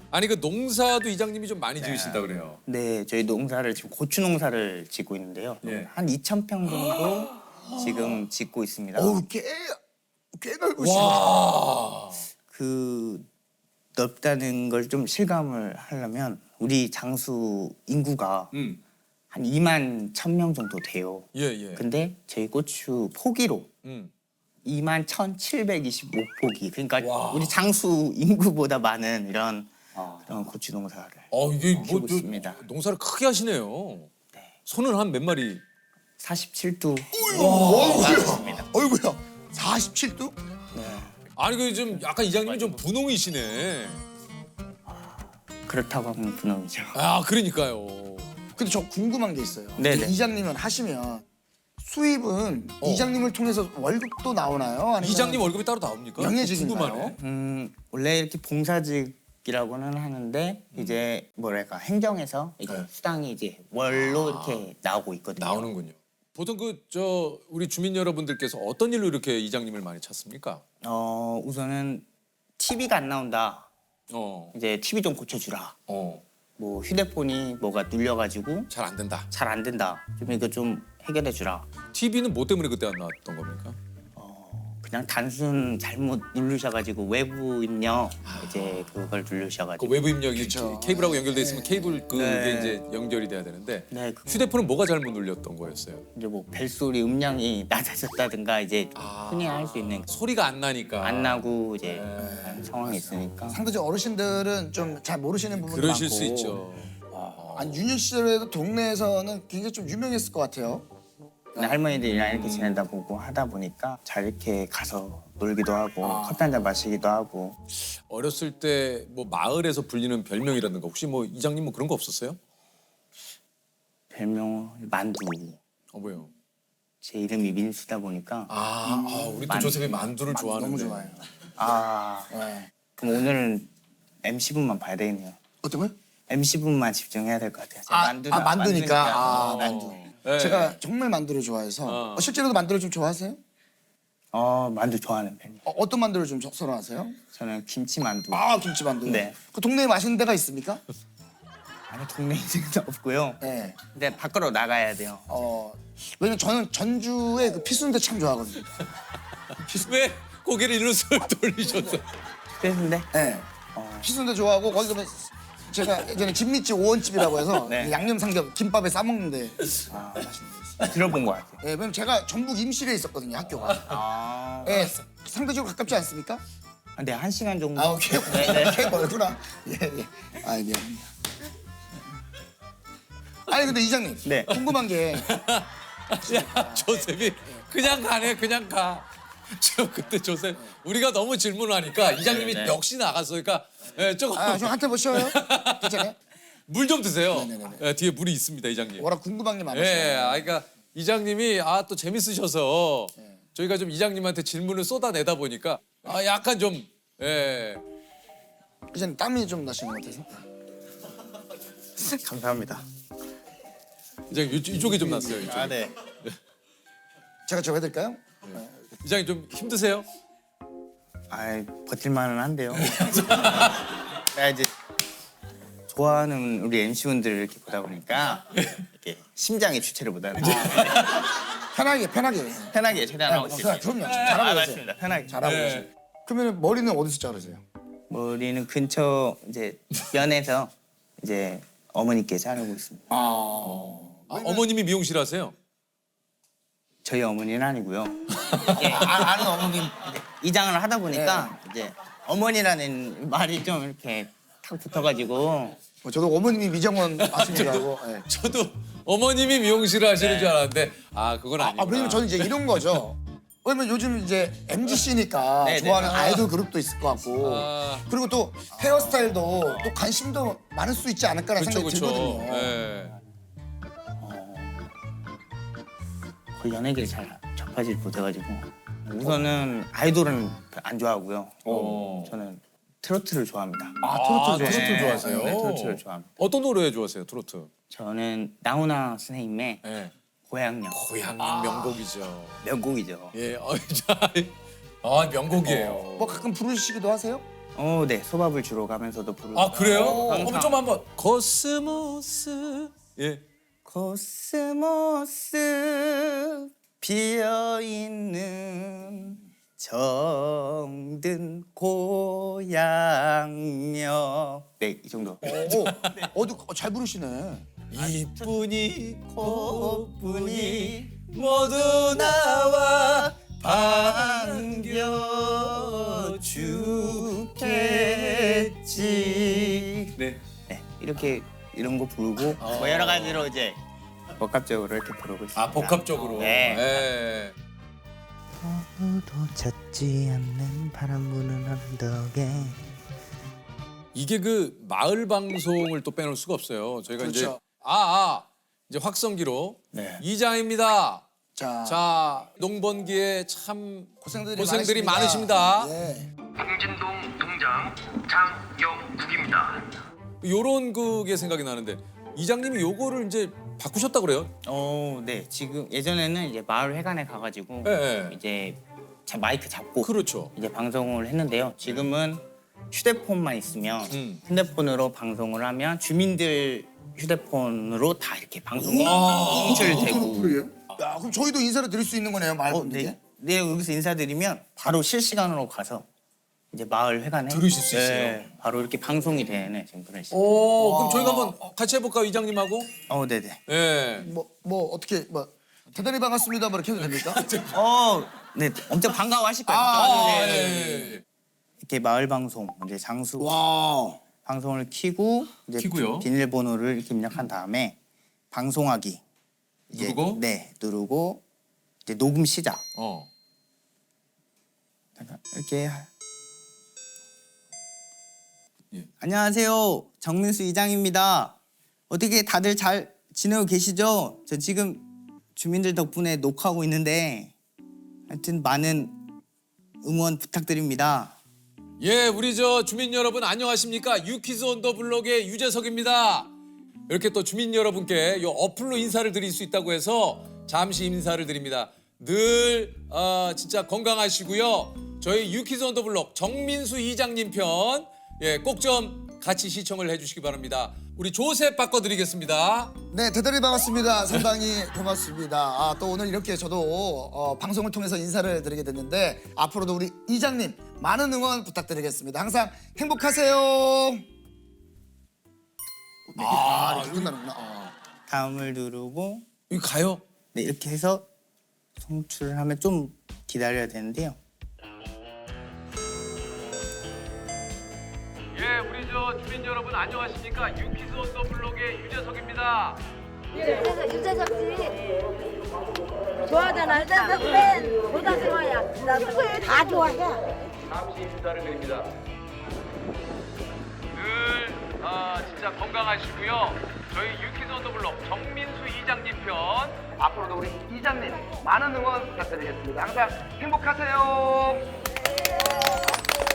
아니 그 농사도 이장님이 좀 많이 지으신다 그래요. 네, 저희 농사를 지금 고추 농사를 짓고 있는데요. 예. 한 2,000평 정도 지금 짓고 있습니다. 어우 꽤 넓으시네. 와. 그 넓다는 걸 좀 실감을 하려면 우리 장수 인구가 한 2만 1,000명 정도 돼요. 예 예. 근데 저희 고추 포기로 2만 1,725포기. 그러니까 와. 우리 장수 인구보다 많은 이런 그런 고추 농사를 이게 키우고 뭐 있습니다. 농사를 크게 하시네요. 소는 한 몇 마리? 47두. 어이구야. 47도? 아니 그 좀 약간 이장님이 좀 분홍이시네. 그렇다고 하면 분홍이죠. 아 그러니까요. 근데 저 궁금한 게 있어요. 네네. 이장님은 하시면 수입은 이장님을 통해서 월급도 나오나요? 아니면 이장님 월급이 따로 나옵니까? 명예직인가요? 궁금하네. 원래 이렇게 봉사직이라고는 하는데 이제 뭐랄까 행정에서 이제 수당이 이제 월로 이렇게 나오고 있거든요. 나오는군요. 보통 그 저 우리 주민 여러분들께서 어떤 일로 이렇게 이장님을 많이 찾습니까? 우선은 TV가 안 나온다. 어. 이제 TV 좀 고쳐주라. 어. 뭐 휴대폰이 뭐가 눌려가지고 잘 안 된다. 잘 안 된다. 좀 이거 좀 해결해주라. TV는 뭐 때문에 그때 안 나왔던 겁니까? 그냥 단순 잘못 누르셔가지고 외부 입력 이제 그걸 그 누르셔가지고. 외부 입력이 그쵸. 케이블하고 연결돼 있으면 케이블 그게 네. 이제 연결이 돼야 되는데 네, 휴대폰은 뭐가 잘못 눌렸던 거였어요? 이제 뭐 벨소리 음량이 낮아졌다든가 이제 흔히 할 수 있는 소리가 안 나니까. 안 나고 이제 하는 상황이 있으니까. 상대적 어르신들은 좀 잘 모르시는 부분도 그러실 많고. 수 있죠. 아니 유년 시절에도 동네에서는 굉장히 좀 유명했을 것 같아요. 근데 할머니들이랑 이렇게 지내다 보고 하다 보니까 잘 이렇게 가서 놀기도 하고 커피 한잔 마시기도 하고. 어렸을 때 뭐 마을에서 불리는 별명이라든가 혹시 뭐 이장님 뭐 그런 거 없었어요? 별명 만두. 뭐요? 제 이름이 민수다 보니까 우리 또 조셉이 만두를 좋아하는데. 너무 좋아요. 네. 그럼 오늘은 MC분만 봐야 되겠네요. 어떤 거요? MC분만 집중해야 될 것 같아요. 제가 만두니까. 만두. 네. 제가 정말 만두를 좋아해서 실제로도 만두를 좀 좋아하세요? 만두 좋아하는 편이에요. 어떤 만두를 좀 선호하세요? 저는 김치만두. 김치만두. 네. 그 동네에 맛있는 데가 있습니까? 아니 동네에 있는 건 없고요. 네. 근데 밖으로 나가야 돼요. 왜냐면 저는 전주의 그 피순대 참 좋아하거든요. 왜 고개를 일로 쓱 돌리셨어? 그랬는데 네. 피순대 좋아하고 거기 가면 제가 예전에 진미집 오원집이라고 해서 네. 양념 삼겹 김밥에 싸 먹는데 맛있는 데 있어요. 들어본 것 같아요. 네, 왜냐면 제가 전북 임실에 있었거든요 학교가. 네, 상대적으로 가깝지 않습니까? 근데 1시간 정도. 오케이. 꽤 멀구나. 예. 미안합니다. 아니 근데 이장님 네. 궁금한 게 야 조셉이 그냥 가네 그냥 가. 저 그때 조셉 우리가 너무 질문하니까 이장님이 네. 역시 나갔어. 그러니까 조금 좀 한테 보셔요? 괜찮아요? 물 좀 드세요. 네네네. 뒤에 물이 있습니다 이장님. 워낙 궁금한 게 많아서. 그러니까 이장님이 또 재밌으셔서 저희가 좀 이장님한테 질문을 쏟아내다 보니까 약간 좀 이장님 땀이 좀 나시는 것 같아서. 감사합니다. 이장님 이쪽에 좀 났어요. 이쪽에. 네. 제가 저 해드릴까요? 이장님 좀 힘드세요? 버틸만은 한데요. 제가 이제 좋아하는 우리 MC분들을 이렇게 보다 보니까 이렇게 심장의 주체를 못하는 편하게. 편하게 최대한 하고 있습니다. 그럼요. 잘하고 계세요. 맞습니다. 편하게. 잘하고 계세요. 그러면 머리는 어디서 자르세요? 머리는 근처 이제 면에서 이제 어머니께 자르고 있습니다. 어머님이 미용실 하세요? 저희 어머니는 아니고요. 아는 어머님. 이장을 하다 보니까 이제 어머니라는 말이 좀 이렇게 탁 붙어가지고 저도 어머님이 미정원 아시는 줄 알고. 네. 저도 어머님이 미용실을 하시는 줄 알았는데 그건 아니구나. 왜냐면 저는 이제 이런 거죠. 왜냐면 요즘 이제 MZC니까 네네. 좋아하는 아이돌 그룹도 있을 것 같고 아. 그리고 또 헤어스타일도 또 관심도 많을 수 있지 않을까라는 그렇죠 생각이 그렇죠. 들거든요. 예. 그 연예계를 잘 접하지 못해가지고 우선은 아이돌은 안 좋아하고요. 저는 트로트를 좋아합니다. 트로트 좋아하세요? 네, 트로트를 좋아합니다. 어떤 노래 좋아하세요 트로트? 저는 나훈아 선생님의 예. 고향역 고향 명곡이죠. 명곡이죠. 예, 명곡이에요. 뭐 가끔 부르시기도 하세요? 네. 소밥을 주러 가면서도 부르고. 아 그래요? 항상. 한번 좀 한번. 코스모스. 예. 코스모스 피어있는 정든 고향여. 네, 이 정도. 잘 부르시네. 이쁜이 꽃분이 모두 나와 반겨주겠지. 네. 네, 이렇게 이런 거 부르고 뭐 여러 가지로 이제 복합적으로 이렇게 부르고 있습니다. 아 복합적으로. 네. 예. 아무도 찾지 않는 바람 부는 언덕에. 이게 그 마을 방송을 또 빼놓을 수가 없어요. 저희가 이제 그렇죠. 이제 확성기로 네. 이장입니다. 자, 자 농번기에 참 고생들이 많으십니다. 예. 광진동 동장 장영국입니다. 요런 그게 생각이 나는데 이장님이 요거를 이제 바꾸셨다 그래요? 네. 지금 예전에는 이제 마을 회관에 가가지고 예. 이제 마이크 잡고 그렇죠. 이제 방송을 했는데요. 지금은 휴대폰만 있으면 핸드폰으로 방송을 하면 주민들 휴대폰으로 다 이렇게 방송이 송출되고. 그래요? 야, 그럼 저희도 인사를 드릴 수 있는 거네요, 말 분께. 네. 네, 여기서 인사드리면 바로 실시간으로 가서 이제 마을 회관에 들으실 수 있어요? 네, 바로 이렇게 방송이 되는 지금 그런 시스템. 그럼 저희가 한번 같이 해볼까요, 이장님하고? 네네. 예. 어떻게 대단히 반갑습니다. 뭐 이렇게 해도 됩니까? 네, 엄청 반가워하실 거예요. 예. 이렇게 마을 방송, 이제 장수 와. 방송을 켜고 이제 켜고요. 비밀번호를 이렇게 입력한 다음에 방송하기 이제, 누르고? 네, 누르고 이제 녹음 시작. 이렇게 예. 안녕하세요. 정민수 이장입니다. 어떻게 다들 잘 지내고 계시죠? 저 지금 주민들 덕분에 녹화하고 있는데 하여튼 많은 응원 부탁드립니다. 예, 우리 저 주민 여러분 안녕하십니까? 유키즈 온 더 블록의 유재석입니다. 이렇게 또 주민 여러분께 요 어플로 인사를 드릴 수 있다고 해서 잠시 인사를 드립니다. 늘 진짜 건강하시고요. 저희 유키즈 온 더 블록 정민수 이장님 편 꼭 좀 같이 시청을 해주시기 바랍니다. 우리 조셉 바꿔드리겠습니다. 네, 대단히 반갑습니다. 상당히 고맙습니다. 또 오늘 이렇게 저도 방송을 통해서 인사를 드리게 됐는데 앞으로도 우리 이장님 많은 응원 부탁드리겠습니다. 항상 행복하세요. 이렇게 끝나는구나. 다음을 누르고 이거 가요? 네, 이렇게 해서 송출을 하면 좀 기다려야 되는데요. 예, 우리 저 주민 여러분 안녕하십니까? 유키즈 온 더 블록의 유재석입니다. 유재석 씨 좋아하잖아. 유재석 팬 보다 좋아야. 나 다 좋아해. 잠시 인사를 드립니다. 늘 진짜 건강하시고요. 저희 유키즈 온 더 블록 정민수 이장님 편 앞으로도 우리 이장님 많은 응원 부탁드리겠습니다. 항상 행복하세요.